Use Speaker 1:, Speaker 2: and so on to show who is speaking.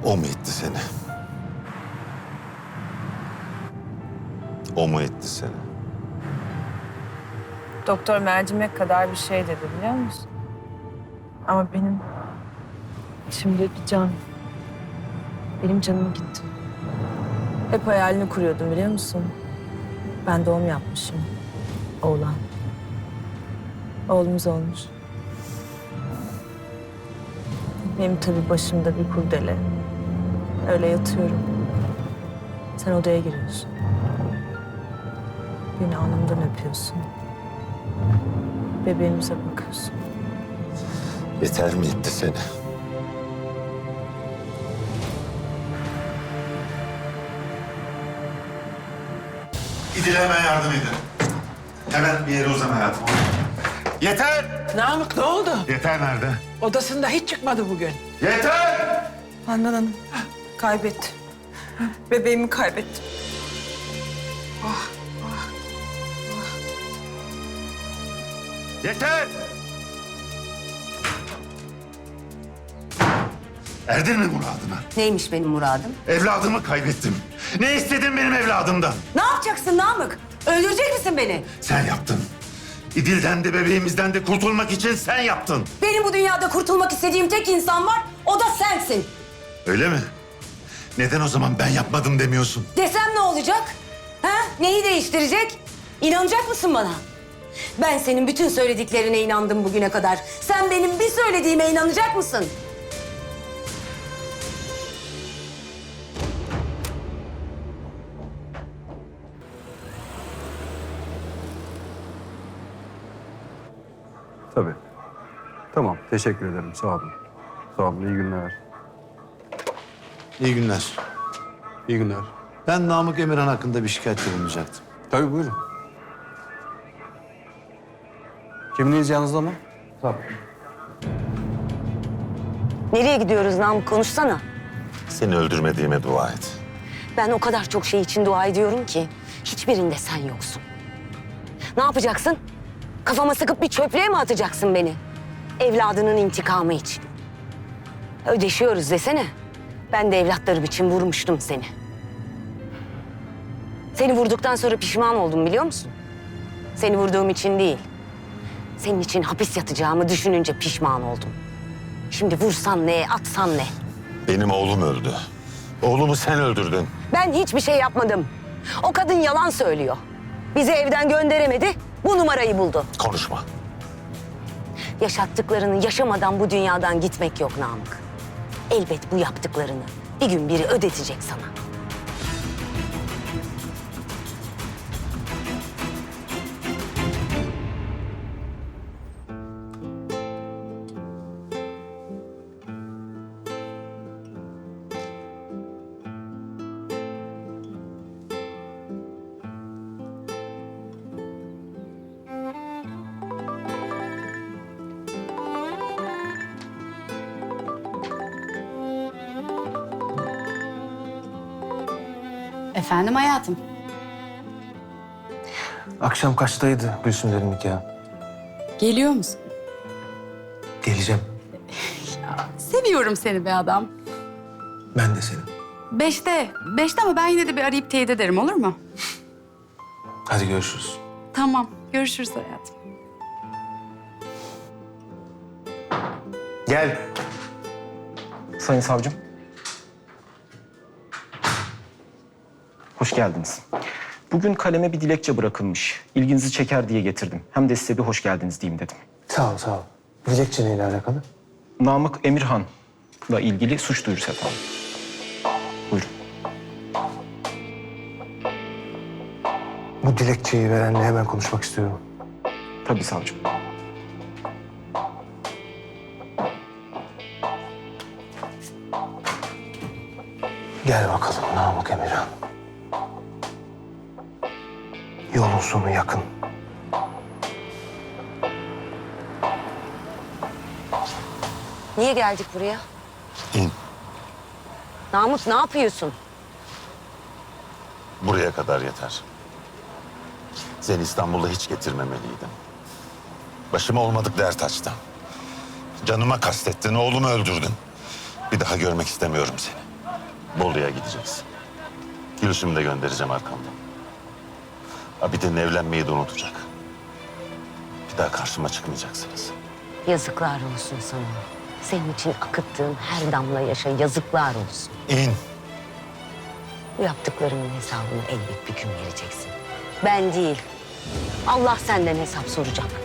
Speaker 1: O mu etti seni? O mu etti seni?
Speaker 2: Doktor mercimek kadar bir şey dedi biliyor musun? Ama benim içimde bir can. Benim canım gitti. Hep hayalini kuruyordum biliyor musun? Ben doğum yapmışım. Oğlan. Oğlumuz olmuş. Benim tabii başımda bir kurdele. Öyle yatıyorum. Sen odaya giriyorsun. Beni alnımdan öpüyorsun. Bebeğimize bakıyorsun.
Speaker 1: Yeter mi etti seni?
Speaker 3: İdil'e hemen yardım edin. Hemen bir yere uzan hayatım. Yeter!
Speaker 4: Namık ne oldu?
Speaker 3: Yeter nerede?
Speaker 4: Odasında hiç çıkmadı bugün.
Speaker 3: Yeter!
Speaker 2: Handan Hanım, kaybettim. Bebeğimi kaybettim.
Speaker 3: Yeter! Erdin mi muradına?
Speaker 5: Neymiş benim muradım?
Speaker 3: Evladımı kaybettim. Ne istedin benim evladımdan?
Speaker 5: Ne yapacaksın Namık? Öldürecek misin beni?
Speaker 3: Sen yaptın. İdil'den de bebeğimizden de kurtulmak için sen yaptın.
Speaker 5: Benim bu dünyada kurtulmak istediğim tek insan var, o da sensin.
Speaker 3: Öyle mi? Neden o zaman ben yapmadım demiyorsun?
Speaker 5: Desem ne olacak? Ha? Neyi değiştirecek? İnanacak mısın bana? Ben senin bütün söylediklerine inandım bugüne kadar. Sen benim bir söylediğime inanacak mısın?
Speaker 6: Tabii. Tamam, teşekkür ederim. Sağ olun. Sağ olun, iyi günler.
Speaker 7: İyi günler.
Speaker 6: İyi günler.
Speaker 7: Ben Namık Emirhan hakkında bir şikayette bulunacaktım.
Speaker 6: Tabii, buyurun. Kimliğiniz yanınızda mı? Tabii.
Speaker 5: Nereye gidiyoruz Namık? Konuşsana.
Speaker 1: Seni öldürmediğime dua et.
Speaker 5: Ben o kadar çok şey için dua ediyorum ki hiçbirinde sen yoksun. Ne yapacaksın? Kafama sıkıp bir çöplüğe mi atacaksın beni? Evladının intikamı için. Ödeşiyoruz desene. Ben de evlatlarım için vurmuştum seni. Seni vurduktan sonra pişman oldum biliyor musun? Seni vurduğum için değil. Senin için hapis yatacağımı düşününce pişman oldum. Şimdi vursan ne, atsan ne?
Speaker 1: Benim oğlum öldü. Oğlumu sen öldürdün.
Speaker 5: Ben hiçbir şey yapmadım. O kadın yalan söylüyor. Bizi evden gönderemedi, bu numarayı buldu.
Speaker 1: Konuşma.
Speaker 5: Yaşattıklarını yaşamadan bu dünyadan gitmek yok Namık. Elbet bu yaptıklarını bir gün biri ödetecek sana.
Speaker 8: Efendim hayatım.
Speaker 9: Akşam kaçtaydı Gülsümlerin nikahı?
Speaker 8: Geliyor musun?
Speaker 9: Geleceğim.
Speaker 8: Seviyorum seni be adam.
Speaker 9: Ben de senin.
Speaker 8: Beşte ama ben yine de bir arayıp teyit ederim olur mu?
Speaker 9: Hadi görüşürüz.
Speaker 8: Tamam, görüşürüz hayatım.
Speaker 9: Gel. Sayın savcım. Hoş geldiniz. Bugün kaleme bir dilekçe bırakılmış. İlginizi çeker diye getirdim. Hem de size bir hoş geldiniz diyeyim dedim.
Speaker 10: Sağ ol, sağ ol. Dilekçe neyle alakalı?
Speaker 9: Namık Emirhan'la ilgili suç duyurusu efendim. Buyurun.
Speaker 10: Bu dilekçeyi verenle hemen konuşmak istiyorum.
Speaker 9: Tabii savcım.
Speaker 10: Gel bakalım Namık Emirhan. Yolun sonu yakın.
Speaker 5: Niye geldik buraya?
Speaker 1: İn.
Speaker 5: Namık ne yapıyorsun?
Speaker 1: Buraya kadar yeter. Seni İstanbul'da hiç getirmemeliydim. Başıma olmadık dert açtın. Canıma kastettin, oğlumu öldürdün. Bir daha görmek istemiyorum seni. Bolu'ya gideceksin. Gülüşümü de göndereceğim arkamdan. Abidin evlenmeyi de unutacak. Bir daha karşıma çıkmayacaksınız.
Speaker 5: Yazıklar olsun sana. Senin için akıttığım her damla yaşa yazıklar olsun.
Speaker 1: İn.
Speaker 5: Bu yaptıklarının hesabını elbet bir gün vereceksin. Ben değil. Allah senden hesap soracak.